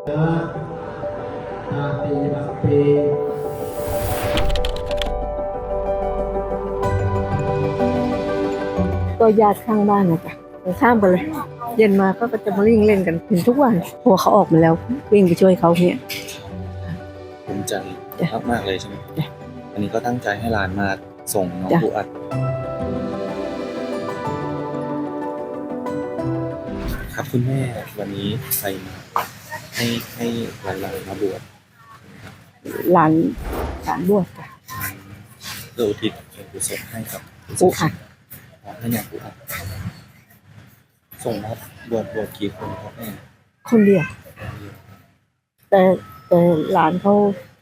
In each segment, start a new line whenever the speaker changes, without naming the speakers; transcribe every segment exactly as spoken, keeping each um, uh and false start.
ก็ญาติข้างบ้านนะจ๊ะข้ามไปเลยเย็นมาก็จะมาวิ่งเล่นกันถึงทุกวันพอเขาออกมาแล้ววิ่งไปช่วยเขาเนี่ย
ภูมิใจมากๆเลยใช่ไหมอันนี้ก็ตั้งใจให้หลานมาส่งน้องปูอัดครับคุณแม่วันนี้ใครมาให้ให้หลานๆมาบวช
หลานหลานบวชจ้ะ
เพื่ออุทิศกุศลให้กับ
ปูอัด
ให้เนี่ยปูอัดส่งมาบวชบวชกี่คนครับแม่
คนเดียวแต่แต่หลานเขา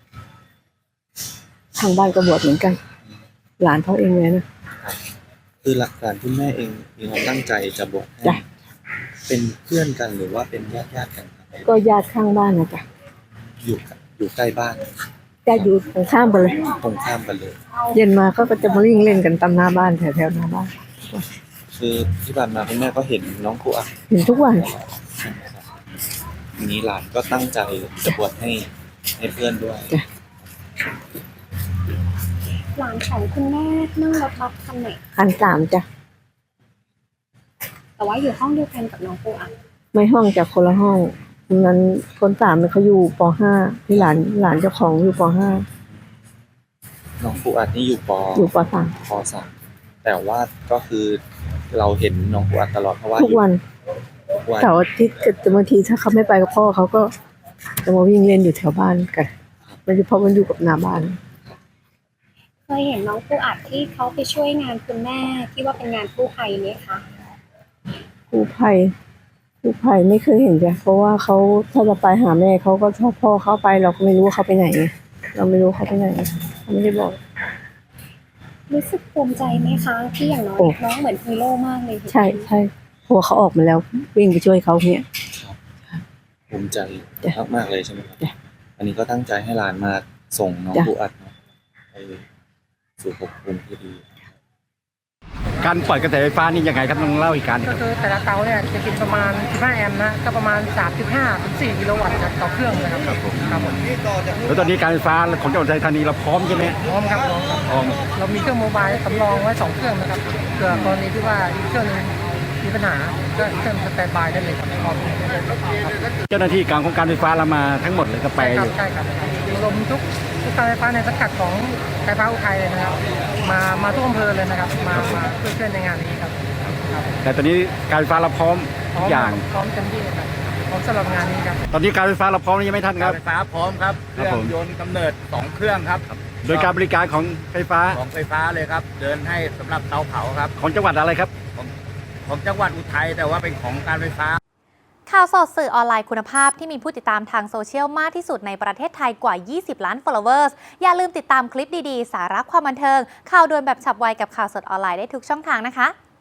ทางบ้านก็บวชเหมือนกันหลานเขาเองเลยนะ
คือหลักการคุณแม่เองมีความตั้งใจจะบวชให้เป็นเพื่อนกันหรือว่าเป็นญาติญาติกัน
ก็ญาติข้างบ้านนะจ๊ะ
อยู่อยู่ใกล้บ้าน
ญาติอยู่ตรงข้ามไปเลย
ตรงข้ามกันเลย
เย็นมาก็จะมาวิ่งเล่นกันตามหน้าบ้านแถวแถวหน้าบ้าน
คือที่ผ่านมาคุณแม่ก็เห็นน้องปูอัด
เห็นทุกวัน
ทีนี้หลานก็ตั้งใจจะบวชให้ให้เพื่อนด้วย
หลานของคุณแม่นั่งรถบัสคันไหน
คันสามจ้ะ
แต่ว่าอยู่ห้องเดียวกันกับน้องปูอัด
ไม่ห้องจากคนละห้องนั้นคนสามเขาอยู่ป.ห้าที่หลานหลานเจ้าของอยู่ป.ห้า
น้องปูอัดนี่อยู่ป.
อยู่ป.สาม
ป.สามแต่ว่าก็คือเราเห็นน้องปูอัดตลอดเพราะว่า
ทุกวันเสาร์อาทิตย์จะบางทีถ้าเขาไม่ไปกับพ่อเขาก็จะมาวิ่งเล่นอยู่แถวบ้านกันมันจะเพราะมันอยู่กับหน้าบ้าน
เคยเห็นน้องปูอัดที่เขาไปช่วยงานคุณแม่ที่ว่าเป็นงานกู้ภัยไหมคะ
กู้ภัยกู้ภัยไม่เคยเห็นจ้ะเพราะว่าเขาถ้าจะไปหาแม่เขาก็ชอบพ่อเขาไปเราก็ไม่รู้ว่าเขาไปไหนเราไม่รู้เขาไปไหนเขาไม่ได้บอก
รู้สึกภูมิใจไหมคะที่อย่างน้อยน้องเหมือนฮีโร่มากเลย
ใช่ใช่พอเขาออกมาแล้ววิ่งไปช่วยเขาเนี่ย
ภูมิใจมากๆเลยใช่ไหมครับอันนี้ก็ตั้งใจให้หลานมาส่งน้องปูอัดไปสู่ภพภูมิที่ดี
การปล่อยกระแสไฟฟ้านี่ยังไงครับต้องเล่าอีกการ
ก็คือแต่ละเตาเนี่ยจะกินประมาณสิบห้าแอมป์นะก็ประมาณ สามจุดห้า ถึง สี่กิโลวัตต์จากต่อเครื่องเลยครับครับผมครับผม
แล้วตอนนี้การไฟฟ้าของจังหวัดอุทัยธานีเราพร้อมใช่ไหม
พร้อมครับพร้อมเรามีเครื่องโมบายสำรองไว้สองเครื่องนะครับเผื่อกรณีที่ว่าอีกเครื่องนึงมีปัญหาก็เครื่องสแตนด์บายได้เลยครับ
เจ้าหน้าที่การของการไฟฟ้าเรามาทั้งหมดเลยก็ไปอยู่
ใช่ครับรวมทุกทุกการไฟฟ้าในสังกัดของไฟฟ้าอุทัยเลยนะครับมามาทุกอำเภอเลยนะครับมามาเพื่อช่วยในงานนี้ครับ
แต่ตอนนี้การไฟฟ้าเราพร้อมทุกอย่าง
พร้อมเต็มที่ครับพร้อมสำหรับงานนี้ครับ
ตอนนี้การไฟฟ้าเราพร้อมยังไม่ทันครับ
ไฟฟ้าพร้อมครับเครื่องยนต์กำเนิดสองเครื่องครับ
โดยการบริการของไฟฟ้า
ของไฟฟ้าเลยครับเดินให้สำหรับเตาเผาครับ
ของจังหวัดอะไรครับ
ของของจังหวัดอุทัยแต่ว่าเป็นของการไฟฟ้า
ข่าวสดสื่อออนไลน์คุณภาพที่มีผู้ติดตามทางโซเชียลมากที่สุดในประเทศไทยกว่ายี่สิบล้าน followers อย่าลืมติดตามคลิปดีๆสาระความบันเทิงข่าวด่วนแบบฉับไวกับข่าวสดออนไลน์ได้ทุกช่องทางนะคะ